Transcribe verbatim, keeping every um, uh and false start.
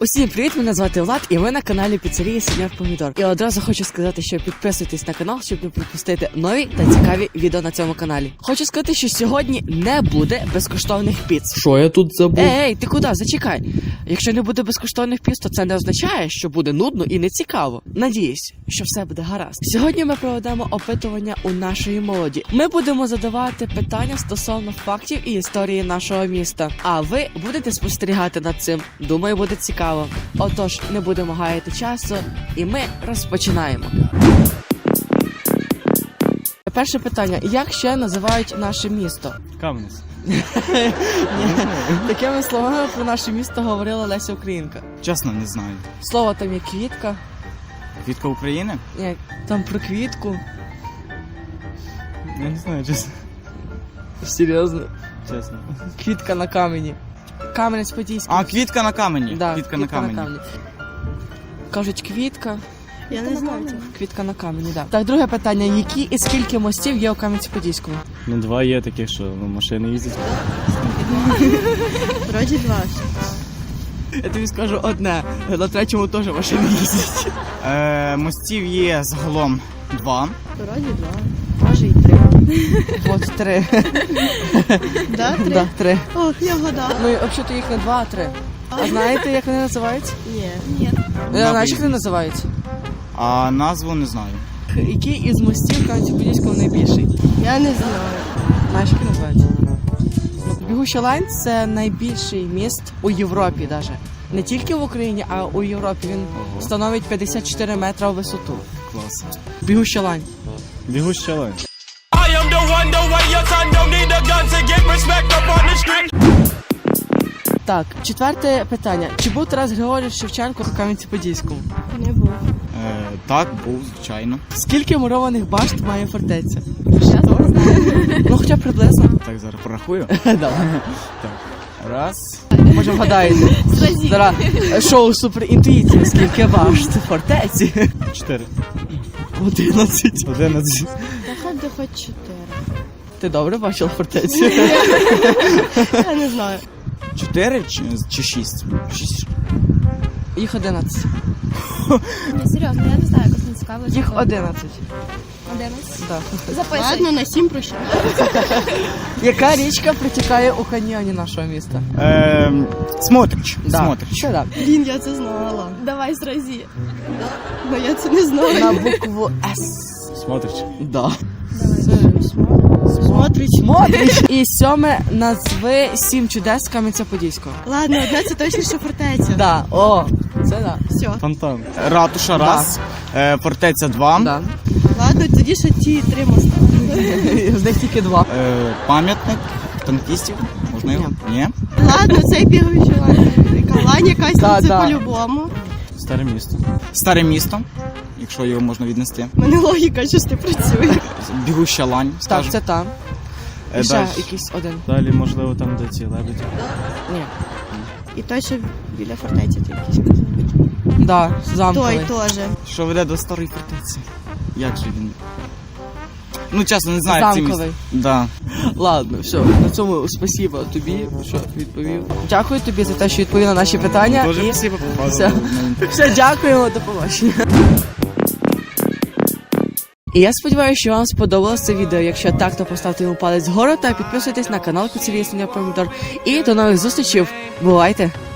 Усім привіт, мене звати Влад, і ви на каналі Піцерії Сеньор Помідор. І одразу хочу сказати, що підписуйтесь на канал, щоб не пропустити нові та цікаві відео на цьому каналі. Хочу сказати, що сьогодні не буде безкоштовних піц. Що я тут забув? Ей, ей, ти куди? Зачекай. Якщо не буде безкоштовних піц, то це не означає, що буде нудно і нецікаво. Надіюсь, що все буде гаразд. Сьогодні ми проведемо опитування у нашої молоді. Ми будемо задавати питання стосовно фактів і історії нашого міста. А ви будете спостерігати над цим. Думаю, буде цікаво. Отож, не будемо гаяти часу, і ми розпочинаємо. Перше питання. Як ще називають наше місто? Кам'янець. Такими словами про наше місто говорила Леся Українка. Чесно, не знаю. Слово там є квітка. Квітка України? Ні, там про квітку. Я не знаю, чесно. Серйозно? Чесно. Квітка на камені. Кам'янець-Подільський. А, квітка на камені. Да, квітка, на камені. Кажуть, квітка. Я не знаю. Квітка на камені, так. Так, друге питання. Які і скільки мостів є у Кам'янці-Подільському? Ну, два є такі, що ну, машини їздять. Вроді два. Я тобі скажу одне. На третьому теж машини їздять. Е, мостів є загалом два. Вроді два. Може і три. От три. Да, три? Да, три. Ох, я вгадала. Ну, взагалі їх не два, а три. А знаєте, як вони називаються? Ні. Ні. Знаєш, як вони називаються? А назву не знаю. Який із мостів Кам'янці-Подільського найбільший? Я не знаю. Знаєш, як називається? Бігуща лайн – це найбільший міст у Європі навіть. Не тільки в Україні, а у Європі. Він становить п'ятдесят чотири метри у висоту. Клас. Бігуща лайн. Бігуща лайн. Так, четверте питання. Чи був Тарас Григорович Шевченко у Кам'янці-Подільському? Не був. Е, так, був, звичайно. Скільки мурованих башт має фортеця? Чесно не знаю. Ну, хоча б приблизно. Так, зараз порахую. Давай. Раз. Може вгадаєте. Зразі. Зараз шоу суперінтуїція. Скільки башт фортеці? Чотири. Одинадцять. Одинадцять. Та хоч де хоч чотири. Ти добре бачила фортецю? Я не знаю. Чотири чи, чи шість? Шість. Їх одинадцять. Ні, серйозно, я не знаю, як не цікаво. Їх одинадцять. одинадцять. Да. Записуй. Ладно, на сім прощай. Яка річка протікає у каньйоні нашого міста? Е, Смотрич. Да. Смотрич. Що так? Блін, я це знала. Давай зразі. Но я це не знаю. На букву С. Смотрич. Да. Смотрич. Смотрич. І сьоме, назви сім чудес Кам'янця-Подільського. Ладно, одна це точно, що фортеця. Да, о, це да. Все. Фонтан. Ратуша раз. Е, фортеця два. Да. Ладно, тоді ще ті три моста. З них тільки два. Е, пам'ятник танкістів. Можна його? Ні. Ладно, цей бігаючий лань. Лань якась, Да, ну, це да. по-любому. Старе місто. Старе місто, якщо його можна віднести. У мене логіка щось не працює. Бігуща лань, Так, скажу. це там. Е, І ще далі. якийсь один. Далі, можливо, там, де ці лебеді. Ні. І той, що біля фортеці, ти якийсь казав. Да, замковий. Той теж. Що веде до старої фортеці? Як же він? Ну, чесно, не знаю. як це Замковий. місце. Да. Ладно, все, на цьому спасибо тобі, що відповів. Дякую тобі за те, що відповів на наші питання. Дуже І спасибо. все. Все, дякуємо, до побачення. І я сподіваюся, що вам сподобалось це відео. Якщо так, то поставте йому палець вгору та підписуйтесь на канал Піцерії Сеньор Помідор. І до нових зустрічей. Бувайте!